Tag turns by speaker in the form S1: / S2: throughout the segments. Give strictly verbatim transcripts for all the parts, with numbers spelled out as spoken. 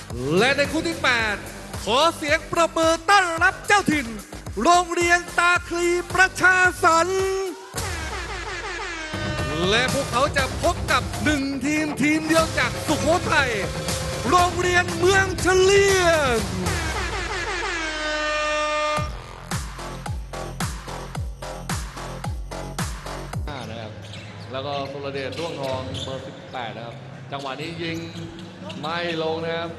S1: และในคู่ที่แปดขอเสียงประมือต้อนรับเจ้าถิ่น โรงเรียนตาคลีประชาสรรค์และพวกเขาจะพบกับหนึ่งทีมทีมเดียวจากสุโขทัยโรงเรียนเมืองเฉลียงนะครับแล้วก็สุรเดชด้วงทองเบอร์สิบแปดนะครับจังหวะนี้ยิงไม่ลงนะครับ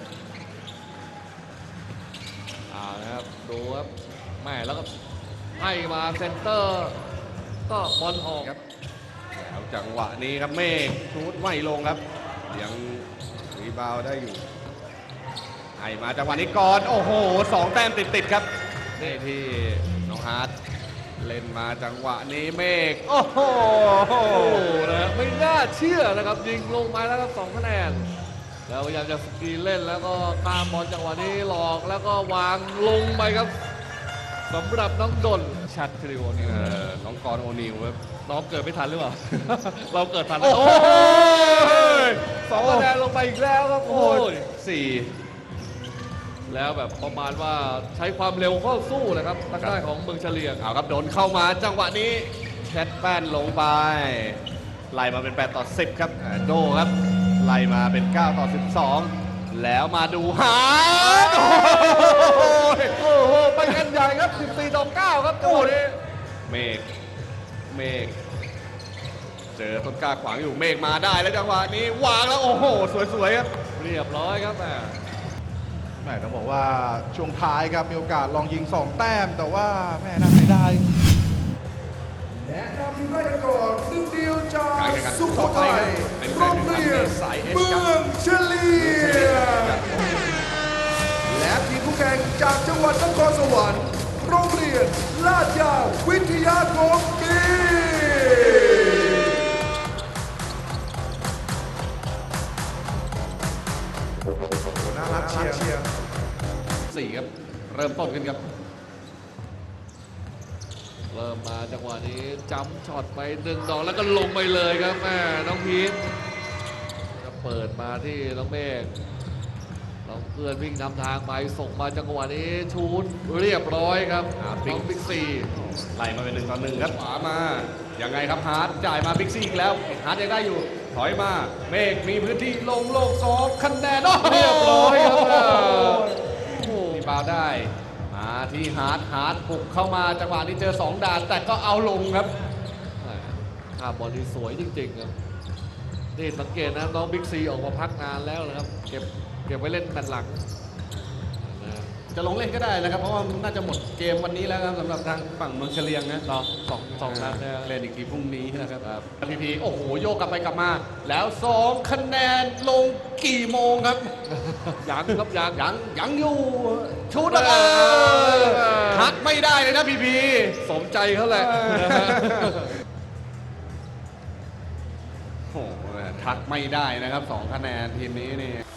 S1: อ่านะครับดูครับแม่แล้วก็ให้มาเซนเตอร์ก็บอลออกครับ
S2: แล้วจังหวะนี้ครับเมฆชูดไม่ลงครับยังรีบาวได้อยู่ให้มาจังหวะนี้ก่อนโอ้โหสองแต้มติดๆครับนี่ที่น้องฮาร์ดเล่นมาจังหวะนี้เมฆโอ้โห
S1: นะไม่น่าเชื่อนะครับยิงลงมาแล้วครับสองคะแนนแล้วพยายามจะสกรีนเล่นแล้วก็ข้ามบอลจังหวะนี้หลอกแล้วก็วางลงไปครับสำหรับน้องดนชัดคริโอนี่
S2: น้องกรโอนิวครับ
S1: น้องเกิดไม่ทันหรือเปล่า เราเกิดทัน
S2: โอ้โห
S1: สองคะแนนลงไปอีกแล้วครับโอ้ย
S2: สี่
S1: แล้วแบบประมาณว่าใช้ความเร็วเข้าสู้นะครับทางด้านของเมืองเฉลียง
S2: เอาครับโดนเข้ามาจังหวะนี้แคทแป้นลงไปไล่มาเป็นแปดต่อสิบครับโดครับไล่มาเป็นเก้าต่อสิบสองแล้วมาดูหา
S1: โอ้โหไปกันใหญ่ครับสิบสี่ต่อเก้าครับจังหวะนี้
S2: เมฆเมฆเจอต้นกล้าขวางอยู่เมฆมาได้แล้วจังหวะนี้วางแล้วโอ้โหสวยๆครับ
S1: เรียบร้อยครับแม่
S3: แม่ต้องบอกว่าช่วงท้ายครับมีโอกาสลองยิงสองแต้มแต่ว่าแม่น่าเสียดาย
S4: และนำทีมได้ก่อนหนึ่งเดียวจากสุโขทัยโรงเรียนเมืองเฉลียงและทีมผู้แข่งจากจังหวัดนครสวรรค์โรงเรียนลาดยาววิทยาคมกีน่ารักเชียร์
S2: สี่ครับเริ่มต้นขึ้นครับ
S1: เริ่มมาจังหวะนี้จัมช็อตไปหนึ่งดอกแล้วก็ลงไปเลยครับแม่น้องพีทก็เปิดมาที่น้องเมฆน้องเพื่อนวิ่งนำทางไปส่งมาจังหวะนี้ชูดเรียบร้อยครับน้องบิ๊กซี
S2: ไล่มาเป็นหนึ่งต่อหนึ่งครับขวามายังไงครับฮาร์ดจ่ายมาบิ๊กซีอีกแล้วฮาร์ดยังได้อยู่ถอยมาเมฆมีพื้นที่ลงโลกสองคะแนน
S1: เรียบร้อยครับ
S2: โอ้มีบาวได้มาที่ฮาร์ดฮาร์ดบุกเข้ามาจังหวะนี้เจอสองด่านแต่ก็เอาลงครับ
S1: ภาพบอลที่สวยจริงๆครับนี่สังเกตนะน้องบิ๊กซีออกมาพักนานแล้วนะครับเก็บเก็บไว้เล่นแมตช์หลัง
S2: จะลงเล่นก็ได้นะครับเพราะว่าน่าจะหมดเกมวันนี้แล้วครับสำหรับทางฝั่งเมืองเฉลียงนะ
S1: ต่อสองสองนัด
S2: เล่นอีกทีพรุ่งนี้นะครับพีพีโอ้โหโยกกลับไปกลับมาแล้วสองคะแนนลงกี่โมงครับ
S1: ยังครับยัง
S2: ยังยังอยู่ชุดอะไรหักไม่ได้เลยนะพีพี
S1: สมใจเขาแหละ
S2: โอ้ทักไม่ได้นะครับสองคะแนนทีมนี้นี่